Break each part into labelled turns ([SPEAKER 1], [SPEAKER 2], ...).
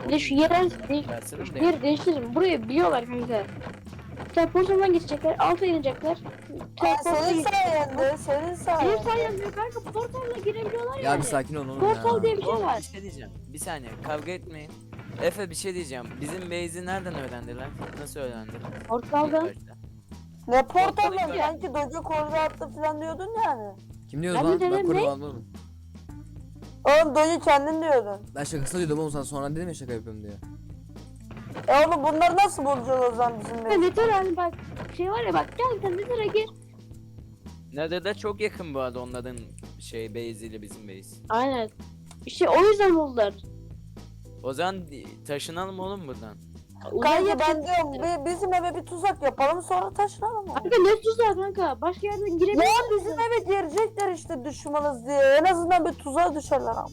[SPEAKER 1] Bir de şu yeri
[SPEAKER 2] Versene
[SPEAKER 1] şu
[SPEAKER 2] buraya.
[SPEAKER 1] yeri değiştirelim. Burayı biliyorlar kanka. Teleportdan geçecekler, alta inecekler. Teleportla
[SPEAKER 3] Senin
[SPEAKER 1] geçecekler.
[SPEAKER 3] sayende, senin
[SPEAKER 1] Benim
[SPEAKER 3] sayende.
[SPEAKER 1] sayemde kanka portalla girebiliyorlar
[SPEAKER 4] Ya
[SPEAKER 1] yani.
[SPEAKER 4] bir sakin ol oğlum
[SPEAKER 1] Portal
[SPEAKER 4] ya.
[SPEAKER 1] diye bir şey
[SPEAKER 2] Oğlum
[SPEAKER 1] var.
[SPEAKER 2] bir şey diyeceğim. Bir saniye kavga etmeyin. Efe bir şey diyeceğim. Bizim base'i nereden öğrendiler? Nasıl öğrendiler?
[SPEAKER 1] Portaldan.
[SPEAKER 2] İlk başta.
[SPEAKER 3] Ne portalı
[SPEAKER 2] Portalı
[SPEAKER 3] sanki Doge korda attı falan diyordun yani.
[SPEAKER 4] Kim diyordu
[SPEAKER 1] Ben
[SPEAKER 4] lan?
[SPEAKER 1] de
[SPEAKER 4] Ben
[SPEAKER 1] dedim,
[SPEAKER 4] koruma
[SPEAKER 1] ne?
[SPEAKER 4] almadım.
[SPEAKER 3] Oğlum Doge kendin diyordun.
[SPEAKER 4] Ben şakasına diyordum oğlum, sana sonra dedim ya şaka yapıyorum diye.
[SPEAKER 3] Oğlum bunları nasıl bulacağız o zaman bizim
[SPEAKER 1] Ya
[SPEAKER 3] de?
[SPEAKER 1] Nedir hani bak şey var ya bak gel sen Nedir'e gir.
[SPEAKER 2] Nether'da çok yakın bu arada onların base ile bizim base.
[SPEAKER 1] Aynen. İşte o yüzden buldular.
[SPEAKER 2] O zaman taşınalım oğlum buradan.
[SPEAKER 3] Kanka ben diyorum bizim eve bir tuzak yapalım sonra taşınalım. oğlum.
[SPEAKER 1] Kanka ne tuzağı kanka? Başka yerden
[SPEAKER 3] Ya
[SPEAKER 1] giremiyorsun.
[SPEAKER 3] bizim eve girecekler işte düşmanız diye. En azından bir tuzağa düşerler ama.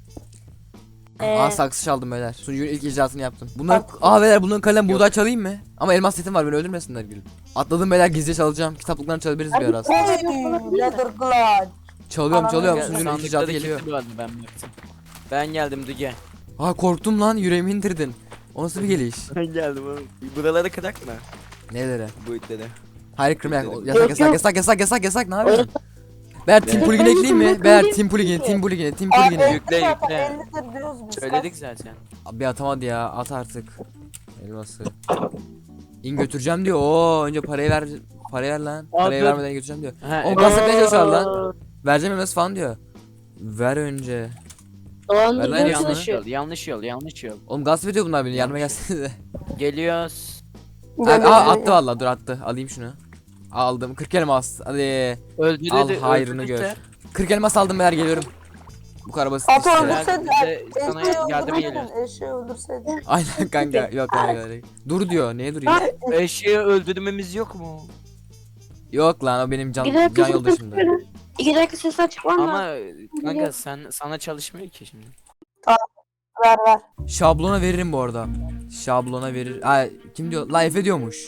[SPEAKER 4] Aa saksı çaldım beyler. Sunucunun ilk icraatını yaptım. Bunlar beyler bunların kalem buğday çalayım mı? Ama elmas setim var, beni öldürmesinler gülüm. Atladım beyler, gizlice çalacağım. Kitaplıklarını çalabiliriz bir ara.
[SPEAKER 3] Leather glad.
[SPEAKER 4] Çalıyorum
[SPEAKER 3] Çalıyorum.
[SPEAKER 4] sunucunun ilk
[SPEAKER 2] Sandıkta
[SPEAKER 4] icraatı
[SPEAKER 2] da
[SPEAKER 4] geliyor.
[SPEAKER 2] kilitli bu arada ben baktım. Ben geldim Dige.
[SPEAKER 4] Aa korktum lan, yüreğimi indirdin. O nasıl bir geliş?
[SPEAKER 2] Ben geldim oğlum. Buraları kırak mı?
[SPEAKER 4] Nelere?
[SPEAKER 2] Bu itleri.
[SPEAKER 4] Hayır kırmayak.
[SPEAKER 2] Yok,
[SPEAKER 4] Yasak ne yapıyorsun? Beyler Team Plugin'e ekleyeyim mi? Beyler Team Plugin'e.
[SPEAKER 3] Abi
[SPEAKER 2] Yükle,
[SPEAKER 3] zaten
[SPEAKER 2] yükle.
[SPEAKER 3] 50'dir diyoruz biz.
[SPEAKER 2] Söyledik zaten.
[SPEAKER 4] Abi atamadı ya, at artık. Elması. İn götüreceğim diyor. Oo önce parayı ver. Parayı ver lan. Parayı
[SPEAKER 2] dur.
[SPEAKER 4] vermeden götüreceğim diyor.
[SPEAKER 2] Ha,
[SPEAKER 4] O
[SPEAKER 2] evet.
[SPEAKER 4] gaslatmaya çalışıyor lan. Vereceğim elması falan diyor. Ver önce.
[SPEAKER 1] Doğan
[SPEAKER 4] Ver lan
[SPEAKER 1] bir
[SPEAKER 4] yanına.
[SPEAKER 2] Yanlış yol.
[SPEAKER 4] Oğlum gasp ediyor bunlar beni. Yardıma gelsenize.
[SPEAKER 2] Geliyoruz.
[SPEAKER 4] Abi, attı vallahi, dur attı. Alayım şunu. Aldım. 40 elmas. Hadi.
[SPEAKER 2] Öldürdü.
[SPEAKER 4] Al hayrını gör. 40 elmas aldım beyler, geliyorum. Bu kadar basit
[SPEAKER 3] At
[SPEAKER 4] işte.
[SPEAKER 3] öldürseydi.
[SPEAKER 2] Sana
[SPEAKER 3] Eşeği
[SPEAKER 2] yardıma geliyor.
[SPEAKER 3] öldürseydin. Eşeği öldürseydin.
[SPEAKER 4] Aynen kanka. Yok kanka. Dur diyor. Neye duruyor?
[SPEAKER 2] Eşeği öldürmemiz yok mu?
[SPEAKER 4] Yok lan, o benim can
[SPEAKER 1] dakika ses
[SPEAKER 4] yoldaşımdı.
[SPEAKER 1] açıyorum. 2 dakika ses açmam lazım.
[SPEAKER 2] Ama kanka sana çalışmıyor ki şimdi.
[SPEAKER 3] Ver ver.
[SPEAKER 4] Şablona veririm bu arada. Şablona verir. Ay kim diyor? La Efe diyormuş.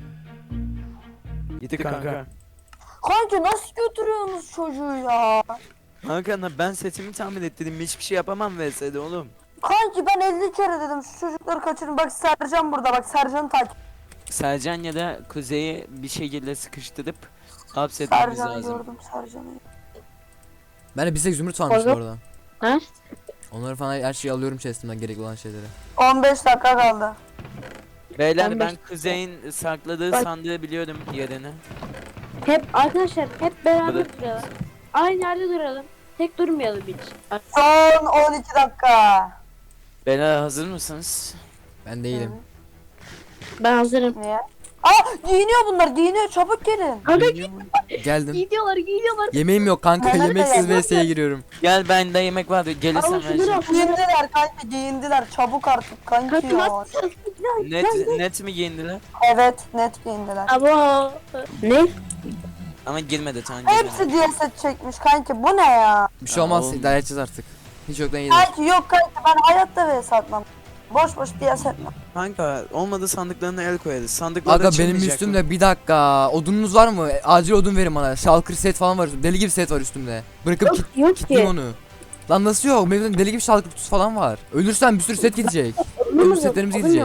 [SPEAKER 2] Gitti kanka.
[SPEAKER 3] Kanka nasıl götürüyorsunuz çocuğu ya?
[SPEAKER 2] Kanka ben setimi tahmin ettim. Hiçbir şey yapamam VS'de oğlum.
[SPEAKER 3] Kanki ben 50 kere dedim şu çocukları kaçırın. Bak Sercan burada, bak Sercan'ı takip.
[SPEAKER 2] Sercan ya da Kuzey'i bir şekilde sıkıştırıp hapsetmemiz
[SPEAKER 3] Sercan'ı
[SPEAKER 2] lazım.
[SPEAKER 3] gördüm, Sercan'ı.
[SPEAKER 4] Ben de bize zümrüt varmış bu
[SPEAKER 1] Oğlum.
[SPEAKER 4] arada.
[SPEAKER 1] Ha?
[SPEAKER 4] Onları falan her şeyi alıyorum chest'imden, gerekli olan şeyleri.
[SPEAKER 3] 15 dakika kaldı.
[SPEAKER 2] Beyler
[SPEAKER 1] Ben
[SPEAKER 2] ben
[SPEAKER 1] de-
[SPEAKER 2] Kuzey'in sakladığı
[SPEAKER 1] Bak-
[SPEAKER 2] sandığı biliyorum yerini.
[SPEAKER 1] Hep arkadaşlar hep beraber
[SPEAKER 2] Bırak.
[SPEAKER 1] duralım. Aynı yerde duralım. Tek durmayalım hiç.
[SPEAKER 3] Son 12 dakika.
[SPEAKER 2] Beyler hazır mısınız?
[SPEAKER 4] Ben değilim.
[SPEAKER 1] Ben hazırım.
[SPEAKER 3] Niye? Aa giyiniyor bunlar, giyiniyor, çabuk gelin.
[SPEAKER 1] Kanka
[SPEAKER 4] Geldim.
[SPEAKER 1] gidiyorlar.
[SPEAKER 4] Yemeğim yok kanka.
[SPEAKER 3] Nerede
[SPEAKER 4] Yemeksiz
[SPEAKER 3] ya?
[SPEAKER 4] VS'ye giriyorum.
[SPEAKER 2] Gel bende yemek vardı gelirsen
[SPEAKER 1] Al
[SPEAKER 2] ben
[SPEAKER 1] şunları al.
[SPEAKER 3] Giyindiler kanka, giyindiler, çabuk artık kanki
[SPEAKER 1] Kanka
[SPEAKER 3] ya.
[SPEAKER 1] nasıl?
[SPEAKER 2] net mi giyindiler?
[SPEAKER 3] Evet, net giyindiler.
[SPEAKER 1] Ama ne?
[SPEAKER 2] Ama girmedi tamam girmedi.
[SPEAKER 3] Hepsi diye set çekmiş kanki, bu ne ya?
[SPEAKER 4] Bir şey olmaz,
[SPEAKER 2] oğlum.
[SPEAKER 4] idare edeceğiz artık. Hiç yoktan iyidir.
[SPEAKER 3] Kanki yok kanki, ben hayatta vs atmam. Boş boş diye setmem.
[SPEAKER 2] Kanka olmadı sandıklarına el koyarız. Sandıkları
[SPEAKER 4] Aga benim
[SPEAKER 2] açılmayacak
[SPEAKER 4] üstümde bir dakika. Odununuz var mı? Acil odun verin bana. Shulker set falan var. Deli gibi set var üstümde. Bırakıp
[SPEAKER 1] Yok
[SPEAKER 4] kitleyeyim
[SPEAKER 1] ki.
[SPEAKER 4] onu. Lan nasıl yok? Benim deli gibi Shulker kutusu falan var. Ölürsen bir sürü set gidecek. Öbür setlerimiz gidecek.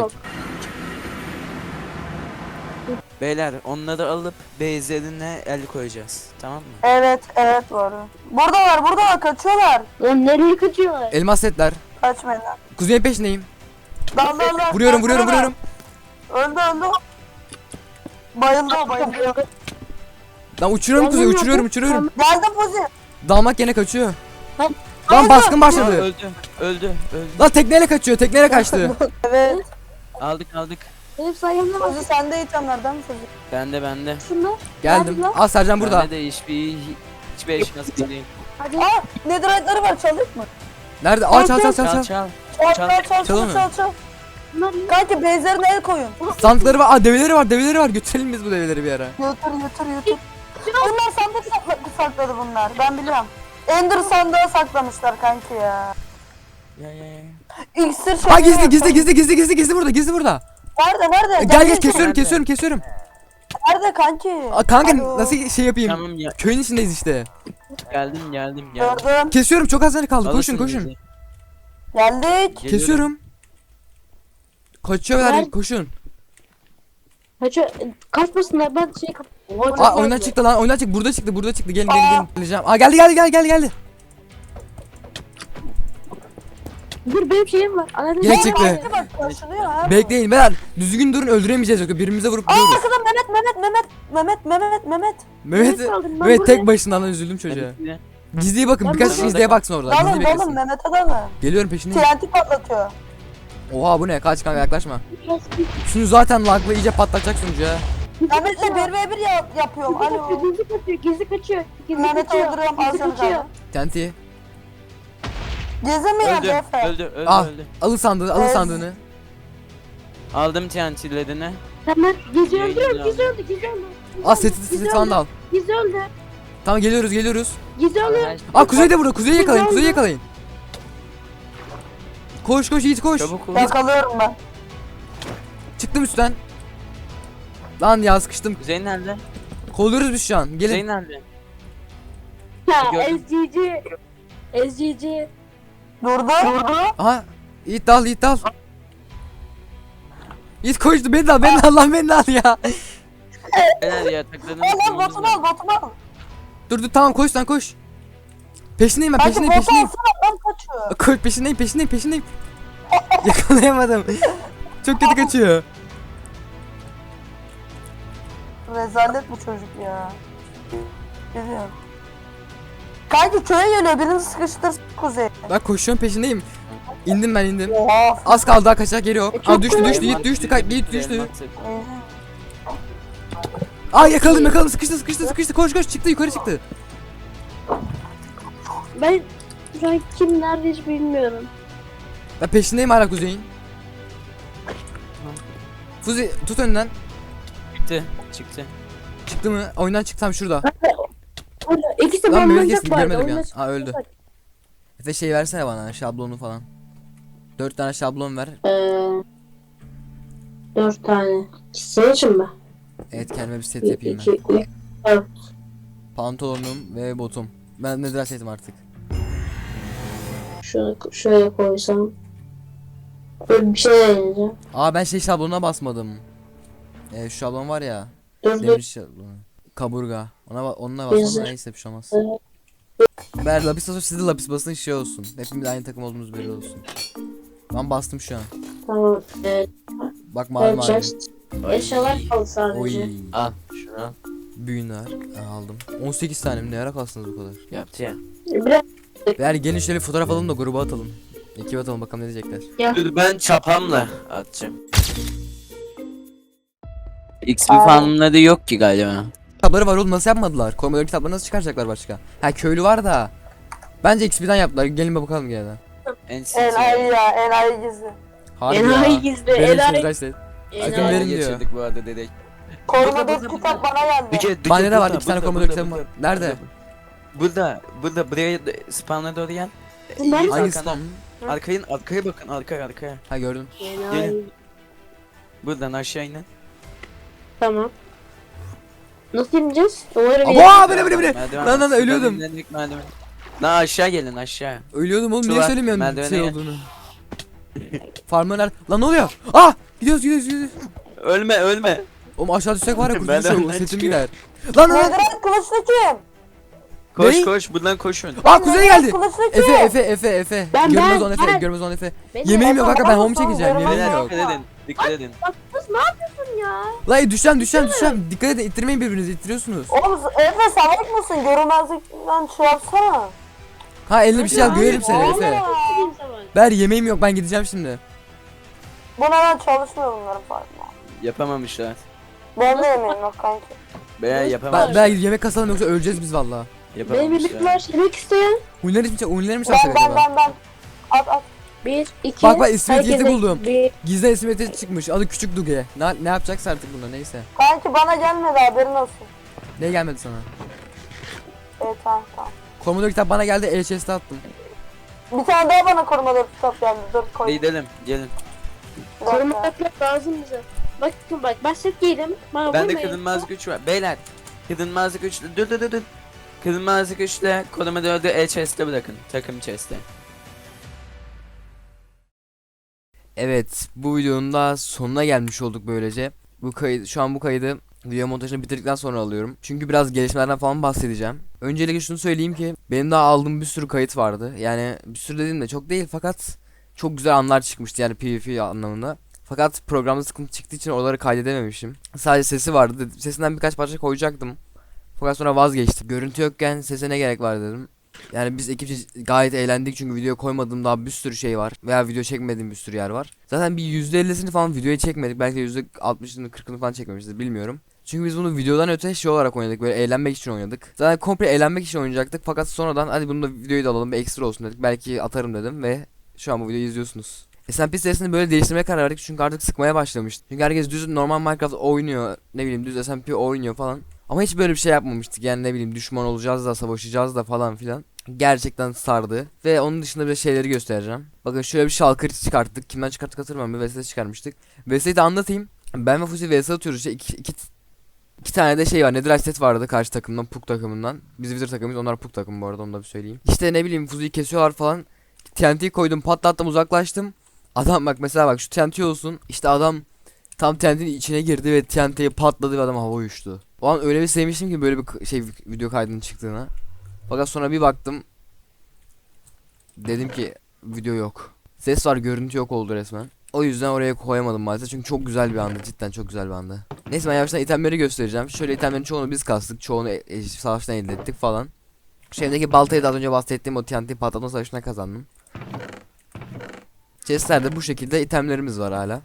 [SPEAKER 2] Beyler onları alıp base'lerine el koyacağız. Tamam mı?
[SPEAKER 3] Evet, evet bu arada. Buradalar, kaçıyorlar.
[SPEAKER 1] Lan nereye kaçıyorlar?
[SPEAKER 4] Elmas setler.
[SPEAKER 3] Kaçmayın lan.
[SPEAKER 4] Kuzeyin peşindeyim.
[SPEAKER 3] Dal.
[SPEAKER 4] Vuruyorum.
[SPEAKER 3] Öldü. Bayıldı o, bayıldı.
[SPEAKER 4] Lan uçuruyorum kuzeyi, uçuruyorum.
[SPEAKER 3] Geldi Fuzi.
[SPEAKER 4] Dalmak yine kaçıyor.
[SPEAKER 1] Lan-
[SPEAKER 4] Lan baskın
[SPEAKER 2] Aa,
[SPEAKER 4] başladı.
[SPEAKER 2] öldü.
[SPEAKER 4] Lan tekneyle kaçıyor, tekneyle kaçtı.
[SPEAKER 3] Evet.
[SPEAKER 2] Aldık.
[SPEAKER 1] Benim sayemde bak.
[SPEAKER 3] Fuzi sende itemlerden mi Fuzi?
[SPEAKER 2] Bende.
[SPEAKER 1] Şunlar.
[SPEAKER 4] Geldim.
[SPEAKER 1] Nerede lan?
[SPEAKER 4] Al Sercan burada.
[SPEAKER 2] Bende de hiçbir eşyası değil.
[SPEAKER 1] Hadi.
[SPEAKER 3] Aa, netherite'ları var, çalayım mı?
[SPEAKER 4] Nerede? Aa çal.
[SPEAKER 2] Çal.
[SPEAKER 3] Çal.
[SPEAKER 1] Bunlar ne?
[SPEAKER 3] Kanki base'lerine el koyun.
[SPEAKER 4] Sandıkları var. Aa develeri var. Götürelim biz bu develeri bir ara.
[SPEAKER 3] Götür. Bunlar sandık sakladı bunlar, ben biliyorum. Ender sandığa saklamışlar kanki ya.
[SPEAKER 2] Ya.
[SPEAKER 3] İksir şey.
[SPEAKER 4] Aa gizli burada.
[SPEAKER 3] Nerede?
[SPEAKER 4] Gel
[SPEAKER 3] Gelsene.
[SPEAKER 4] kesiyorum.
[SPEAKER 3] Nerede kanki?
[SPEAKER 4] Aa, kanka
[SPEAKER 3] Alo.
[SPEAKER 4] nasıl şey yapayım?
[SPEAKER 2] Tamam ya.
[SPEAKER 4] Köyün içindeyiz işte.
[SPEAKER 2] Geldim.
[SPEAKER 3] Gördüm.
[SPEAKER 4] Kesiyorum, çok az tane kaldı.
[SPEAKER 2] Alırsın
[SPEAKER 4] Koşun.
[SPEAKER 2] bizi.
[SPEAKER 3] Geldik.
[SPEAKER 2] Geliyorum.
[SPEAKER 4] Kesiyorum. Kaçıyor beyler,
[SPEAKER 1] Ver.
[SPEAKER 4] koşun.
[SPEAKER 1] Kaçıyor. Kaçmasınlar ben şey kap. Oha, çok
[SPEAKER 4] Aa oyundan
[SPEAKER 1] fazla.
[SPEAKER 4] çıktı lan, oyundan çıktı. Burada çıktı, burada çıktı. Gelin gelin gelin. Geleceğim. Aa geldi.
[SPEAKER 1] Dur benim şeyim var. Anladın
[SPEAKER 4] Gene
[SPEAKER 1] mı?
[SPEAKER 4] çıktı.
[SPEAKER 3] Belki bak koşuluyor ha.
[SPEAKER 4] Bekleyin beyler. Düzgün durun, öldüremeyeceğiz yoksa birbirimize vurup
[SPEAKER 3] Aa
[SPEAKER 4] gidiyoruz.
[SPEAKER 3] arkada Mehmet.
[SPEAKER 4] Mehmet
[SPEAKER 1] kaldım, ben
[SPEAKER 4] Mehmet tek
[SPEAKER 1] buradayım.
[SPEAKER 4] başına lan, üzüldüm çocuğa. Gizliye bakın,
[SPEAKER 1] Ben
[SPEAKER 4] birkaç
[SPEAKER 1] burada-
[SPEAKER 4] kişi gizliye baksın orada. Gizliye
[SPEAKER 3] Dalın
[SPEAKER 4] beklesin.
[SPEAKER 3] Mehmet'e dalın.
[SPEAKER 4] Geliyorum peşindeyim.
[SPEAKER 3] TNT patlatıyor.
[SPEAKER 4] Oha bu ne? Kaç kanka, yaklaşma. Şunu zaten lagla iyice patlatacak sunucu ya.
[SPEAKER 3] Mehmet'le 1v1 yapıyorum. Alo.
[SPEAKER 1] Gizli kaçıyor.
[SPEAKER 3] Mehmet'i öldürüyorum az önce.
[SPEAKER 4] Tenti.
[SPEAKER 3] Gezemiyor
[SPEAKER 2] Öldü.
[SPEAKER 3] Efe.
[SPEAKER 2] Öldü.
[SPEAKER 4] Ah.
[SPEAKER 2] Öldü.
[SPEAKER 4] Alın sandığı, alın
[SPEAKER 3] Evet.
[SPEAKER 4] sandığını.
[SPEAKER 2] Aldım TNT'lerini.
[SPEAKER 1] Tamam. Gizli
[SPEAKER 2] Yayını
[SPEAKER 1] öldürüyorum.
[SPEAKER 2] aldım.
[SPEAKER 1] Gizli öldü. Gizli öldü.
[SPEAKER 4] Aa set falan da al.
[SPEAKER 1] Gizli öldü.
[SPEAKER 4] Tamam geliyoruz.
[SPEAKER 1] Gizli öldü.
[SPEAKER 4] Aa Kuzey de burada. Kuzeyi yakalayın,
[SPEAKER 1] Güzel
[SPEAKER 4] Kuzeyi
[SPEAKER 1] mi?
[SPEAKER 4] yakalayın. Koş Yiğit koş.
[SPEAKER 2] Çabuk ol.
[SPEAKER 3] Yakalıyorum ben.
[SPEAKER 4] Çıktım üstten. Lan ya sıkıştım.
[SPEAKER 2] Kuzey nerede?
[SPEAKER 4] Kolluyoruz biz şu an.
[SPEAKER 2] Kuzey
[SPEAKER 4] Gelin.
[SPEAKER 2] nerede?
[SPEAKER 1] Ha
[SPEAKER 2] Gördüm.
[SPEAKER 1] SGC. SGC.
[SPEAKER 3] Durdu.
[SPEAKER 4] Aha. Yiğit dal. Yiğit koştu, beni de al lan, beni de al ya.
[SPEAKER 2] Neler ya takladığını
[SPEAKER 3] Al botumu al.
[SPEAKER 4] Dur tamam, koş lan koş. Peşindeyim ben,
[SPEAKER 3] Kanka
[SPEAKER 4] peşindeyim.
[SPEAKER 3] botu alsana ben kaçıyor.
[SPEAKER 4] Koş, peşindeyim. Yakalayamadım. Çok kötü kaçıyor.
[SPEAKER 3] Rezalet bu çocuk ya. Biliyorum. Kanki köye geliyor birini sıkıştır Kuzey.
[SPEAKER 4] Ben koşuyorum, peşindeyim. İndim.
[SPEAKER 3] Oha.
[SPEAKER 4] Az kaldı, daha kaçacak yeri yok.
[SPEAKER 1] çok
[SPEAKER 4] Aa düştü,
[SPEAKER 1] kolay.
[SPEAKER 4] Yiğit düştü. Yiğit düştü.
[SPEAKER 2] Elmas-
[SPEAKER 4] Aa yakaladım, sıkıştı. Koş çıktı, yukarı çıktı.
[SPEAKER 1] Ben şu an kim nerede hiç bilmiyorum.
[SPEAKER 4] Ben peşindeyim hala Kuzey'in. Fuzi tut önden.
[SPEAKER 2] Çıktı.
[SPEAKER 4] Çıktı mı? Oyundan çıktım şurada.
[SPEAKER 1] Orada ikisi
[SPEAKER 4] Lan Mehmet
[SPEAKER 1] bombalayacak
[SPEAKER 4] kesti,
[SPEAKER 1] bu arada.
[SPEAKER 4] görmedim ya.
[SPEAKER 1] Oyunda
[SPEAKER 4] Ha öldü. Efe şey versene bana, şablonu falan. 4 tane şablon ver.
[SPEAKER 1] 4 tane. Senin için mi?
[SPEAKER 4] Evet, kendime bir set yapayım
[SPEAKER 1] 2,
[SPEAKER 4] ben.
[SPEAKER 1] 3, 4.
[SPEAKER 4] Pantolonum ve botum. Ben ne setim artık.
[SPEAKER 1] Şunu şöyle koysam. Böyle bir şey deneyeceğim.
[SPEAKER 4] Aa ben şey şablonuna basmadım. Şu şablon var ya.
[SPEAKER 1] Dur.
[SPEAKER 4] Demir şablonu. Kaburga. Onunla basmadım,
[SPEAKER 1] Güzel.
[SPEAKER 4] neyse bir şey olmaz. Ber lapis basın, siz de lapis basın, şey olsun. Hepimiz aynı takım olduğumuz belli olsun. Ben bastım şu an.
[SPEAKER 1] Tamam.
[SPEAKER 4] Bak mavi.
[SPEAKER 1] Chest. Eşyalar kaldı sadece.
[SPEAKER 4] Oy.
[SPEAKER 2] Al şunu al.
[SPEAKER 4] Büyün var. Aldım. 18 tane mi, ne ara kalsınız bu kadar?
[SPEAKER 2] Yaptı ya.
[SPEAKER 1] Biraz
[SPEAKER 4] Yani gelin şöyle bir fotoğraf alalım da gruba atalım. Ekibe atalım, bakalım ne diyecekler.
[SPEAKER 2] Dur ben çapamla atacağım. XP farmları yok ki galiba.
[SPEAKER 4] Kitapları var oğlum, nasıl yapmadılar? Koymaları kitapları nasıl çıkaracaklar başka? Ha köylü var da. Bence XP'den yaptılar. Gelin bir bakalım gene de.
[SPEAKER 3] Enayi ya enayi gizli.
[SPEAKER 4] Harbi
[SPEAKER 1] enayi
[SPEAKER 4] ya.
[SPEAKER 1] gizli.
[SPEAKER 4] Verin şunu
[SPEAKER 1] Enayi.
[SPEAKER 4] kaç set. Sakın
[SPEAKER 1] Enayi.
[SPEAKER 4] verin diyor.
[SPEAKER 2] Geçirdik bu arada dedek.
[SPEAKER 3] Korumadaki kitap bana geldi.
[SPEAKER 4] Bende de var 2 tane komodo kitabım var. Nerede?
[SPEAKER 2] Burada buraya spawn'a doğru gel.
[SPEAKER 1] Bunlar-
[SPEAKER 2] Yüz
[SPEAKER 4] Hangi
[SPEAKER 2] arkana.
[SPEAKER 4] spam?
[SPEAKER 2] Arkaya bakın arkaya.
[SPEAKER 4] Ha gördüm.
[SPEAKER 1] Enayi.
[SPEAKER 2] Buradan aşağı inin.
[SPEAKER 1] Tamam. Nasıl ineceğiz? Umarım
[SPEAKER 4] Abo bire.
[SPEAKER 2] Merdiven
[SPEAKER 4] Lan
[SPEAKER 2] var.
[SPEAKER 4] ölüyordum.
[SPEAKER 2] Şuradan indik merdiven. Lan aşağı gelin aşağı.
[SPEAKER 4] Ölüyordum oğlum,
[SPEAKER 2] Şu
[SPEAKER 4] niye
[SPEAKER 2] var,
[SPEAKER 4] söylemiyorsun
[SPEAKER 2] merdivene
[SPEAKER 4] şey
[SPEAKER 2] gel.
[SPEAKER 4] olduğunu? Farmlar nerede? Lan ne oluyor? Ah! Gidiyoruz.
[SPEAKER 2] Ölme.
[SPEAKER 4] Oğlum aşağı düşsek var ya,
[SPEAKER 2] Merdivenden
[SPEAKER 4] kurtuluşa setim
[SPEAKER 2] çıkıyor.
[SPEAKER 4] gider. Lan.
[SPEAKER 3] Nedir kılıçlı kim?
[SPEAKER 2] Koş
[SPEAKER 4] Ne?
[SPEAKER 2] koş buradan koşun.
[SPEAKER 4] Aa Kuzey geldi.
[SPEAKER 3] Kılıçlı kim?
[SPEAKER 4] Efe.
[SPEAKER 1] Ben-
[SPEAKER 4] Görmez on Efe.
[SPEAKER 1] Benim-
[SPEAKER 4] Yemeğim yok kanka, ben home
[SPEAKER 3] Tamam,
[SPEAKER 4] çekeceğim.
[SPEAKER 3] tamam,
[SPEAKER 4] Yemeğim
[SPEAKER 3] tamam.
[SPEAKER 4] yok.
[SPEAKER 2] Dikkat edin.
[SPEAKER 1] Bak kız ne yapıyorsun ya?
[SPEAKER 4] Lan düşeceğim. Dikkat edin, ittirmeyin birbirinizi, ittiriyorsunuz.
[SPEAKER 3] Oğlum Efe salak mısın? Görünmezlikten şey yapsana.
[SPEAKER 4] Ha eline bir şey al, görelim seni
[SPEAKER 3] Oğlum
[SPEAKER 4] Efe.
[SPEAKER 3] ya.
[SPEAKER 4] Ber yemeğim yok, ben gideceğim şimdi.
[SPEAKER 3] Bu neden çalışmıyor bunların farkında?
[SPEAKER 2] Yapamamışlar.
[SPEAKER 3] Ben de yemeğim yok kanki.
[SPEAKER 2] Veya
[SPEAKER 4] Ben
[SPEAKER 2] yapamamışlar.
[SPEAKER 4] yemek kasalım yoksa öleceğiz biz valla.
[SPEAKER 1] Benim yemek
[SPEAKER 2] Yapamamışlar.
[SPEAKER 1] var. Yemek isteyen.
[SPEAKER 4] Oyunları mı çalsak acaba?
[SPEAKER 3] Ben. At.
[SPEAKER 1] 1, 2.
[SPEAKER 4] Bak, ismi etiketi buldum.
[SPEAKER 1] 1.
[SPEAKER 4] Gizli isim etiketi çıkmış, adı Küçük Duge. Ne yapacaksa artık bunda, neyse.
[SPEAKER 3] Kanki bana gelmedi haberin olsun.
[SPEAKER 4] Ne gelmedi sana?
[SPEAKER 3] Evet tamam.
[SPEAKER 4] Komodo kitap bana geldi, chest'e attım.
[SPEAKER 3] Bir tane daha bana korumalı kitap geldi. Dur koy.
[SPEAKER 2] Gidelim gelin.
[SPEAKER 3] Bir dakika.
[SPEAKER 1] Korumaklar lazım bize. Bakın bak ben set giydim. Bana
[SPEAKER 2] Bende
[SPEAKER 1] vurmayın.
[SPEAKER 2] kırılmaz güç var. Beyler. Kırılmaz güçle dur. Kırılmaz güçle koruma 4'ü chest'e bırakın. Takım chest'e.
[SPEAKER 4] Evet, bu videonun da sonuna gelmiş olduk böylece. Şu an bu kaydı video montajını bitirdikten sonra alıyorum. Çünkü biraz gelişmelerden falan bahsedeceğim. Öncelikle şunu söyleyeyim ki benim daha aldığım bir sürü kayıt vardı. Yani bir sürü dediğim de çok değil fakat çok güzel anlar çıkmıştı yani PvP anlamında. Fakat programda sıkıntı çıktığı için oraları kaydedememişim. Sadece sesi vardı. Sesinden birkaç parça koyacaktım. Fakat sonra vazgeçtim. Görüntü yokken sese ne gerek var dedim. Yani biz ekipçe gayet eğlendik çünkü video koymadığım daha bir sürü şey var. Veya video çekmediğim bir sürü yer var. Zaten bir %50'sini falan videoya çekmedik. Belki de %60'ını 40'ını falan çekmemişiz, bilmiyorum. Çünkü biz bunu videodan öte şey olarak oynadık, böyle eğlenmek için oynadık. Zaten komple eğlenmek için oynayacaktık fakat sonradan hadi bunu da videoyu da alalım, bir ekstra olsun dedik. Belki atarım dedim ve şu an bu videoyu izliyorsunuz. SMP serisini böyle değiştirmeye karar verdik çünkü artık sıkmaya başlamıştı. Çünkü herkes düz normal Minecraft oynuyor, ne bileyim düz SMP oynuyor falan. Ama hiç böyle bir şey yapmamıştık yani, ne bileyim düşman olacağız da savaşacağız da falan filan. Gerçekten sardı ve onun dışında bir şeyleri göstereceğim. Bakın şöyle bir şalkır çıkarttık. Kimden çıkarttık hatırlamıyorum, bir VS çıkarmıştık. VS'yi de anlatayım. Ben ve Fuzi VS atıyoruz işte, iki tane de şey var. Netherite set vardı karşı takımdan, Puk takımından. Biz Wizard takımıyız, onlar Puk takımı bu arada, onu da bir söyleyeyim. İşte ne bileyim Fuzi'yi kesiyorlar falan. TNT'yi koydum, patlattım, uzaklaştım. Adam bak mesela, bak şu TNT olsun. İşte adam tam TNT'nin içine girdi ve TNT'yi patladı ve adam hava uçtu. O an öyle bir sevmiştim ki böyle bir şey video kaydının çıktığına. Fakat sonra bir baktım. Dedim ki video yok. Ses var, görüntü yok oldu resmen. O yüzden oraya koyamadım maalesef çünkü çok güzel bir andı, cidden çok güzel bir andı. Neyse ben yavaştan itemleri göstereceğim. Şöyle itemlerin çoğunu biz kastık, çoğunu savaştan elde ettik falan. Şu elimdeki baltayı da az önce bahsettiğim o TNT patlatma savaşına kazandım. Chestlerde bu şekilde itemlerimiz var hala.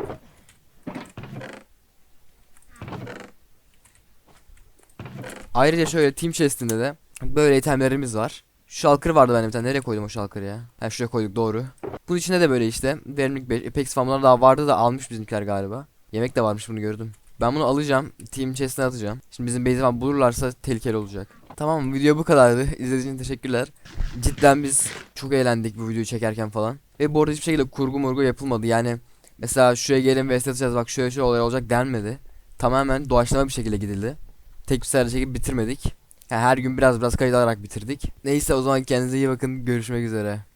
[SPEAKER 4] Ayrıca şöyle team chest'inde de böyle itemlerimiz var. Şu şalkır vardı bende bir tane. Nereye koydum o şalkırı ya? Ha şuraya koyduk, doğru. Bunun içinde de böyle işte verimlilik 5, Apex falanlar daha vardı da almış bizimkiler galiba. Yemek de varmış, bunu gördüm. Ben bunu alacağım. Team chest'ine atacağım. Şimdi bizim base'i falan bulurlarsa tehlikeli olacak. Tamam, video bu kadardı. İzlediğiniz için teşekkürler. Cidden biz çok eğlendik bu videoyu çekerken falan. Ve bu arada hiçbir şekilde kurgu murgu yapılmadı. Yani mesela şuraya gelin ve atacağız, bak şöyle şöyle olay olacak denmedi. Tamamen doğaçlama bir şekilde gidildi. Tek bir seferde çekip bitirmedik. Yani her gün biraz kayıt alarak bitirdik. Neyse o zaman kendinize iyi bakın. Görüşmek üzere.